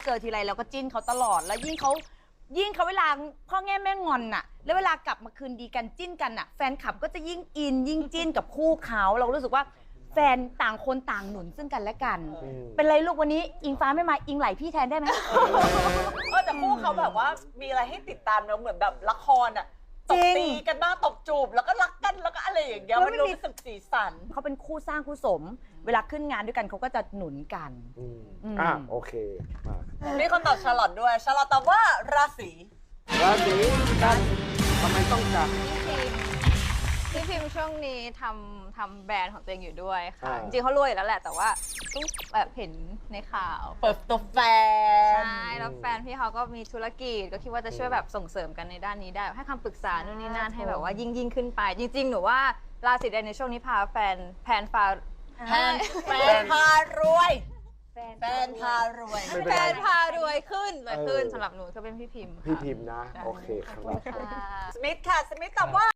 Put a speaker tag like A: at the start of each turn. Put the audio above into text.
A: เจอทีไรเราก็จิ้นเขาตลอดแล้วยิ่งเขาเวลาพ่อแง่แม่งอนน่ะแล้วเวลากลับมาคืนดีกันจิ้นกันน่ะแฟนคลับก็จะยิ่งอินยิ่งจิ้นกับคู่เขาเรารู้สึกว่าแฟนต่างคนต่างหนุนซึ่งกันและกันเป็นไรลูกวันนี้อิงฟ้าไม่มาอิงไหลพี่แทนได้ไหม
B: แต่คู่เขาแบบว่ามีอะไรให้ติดตามเนอะเหมือนแบบละครอ่ะตบตีกันบ้างตบจูบแล้วก็รักกันแล้วก็อะไรอย่างเงี้ยมันดูเป็นสีสัน
A: เขาเป็นคู่สร้างคู่สม เวลาขึ้นงานด้วยกันเขาก็จะหนุนกัน
C: โอเคมา
B: มีคนตอบชาร์ลอตด้วยชาร์ลอตตอบว่าราศี
C: กันทำไมต้องจับ
D: พี่พิมช่วงนี้ทำแบรนด์ของตัวเองอยู่ด้วยค่ะ จริงๆเขารวยอยู่แล้วแหละแต่ว่าต้องแบบเห็นในข่าว
B: เปิดตัวแฟน
D: ใช่แล้วแฟนพี่เขาก็มีธุรกิจก็คิดว่าจะช่วยแบบส่งเสริมกันในด้านนี้ได้ให้คำปรึกษานู่นนี่นั่นให้แบบว่ายิ่งขึ้นไป จริงๆหนูว่าราศีใดในช่วงนี้พาแฟนพ
B: ารวยแฟนพาร
D: วยขึ้นเลยขึ้นสำหรับหนูก็เป็นพี่พิม
C: นะโอเคครับ
B: สมิธค่ะสมิธตอบว่า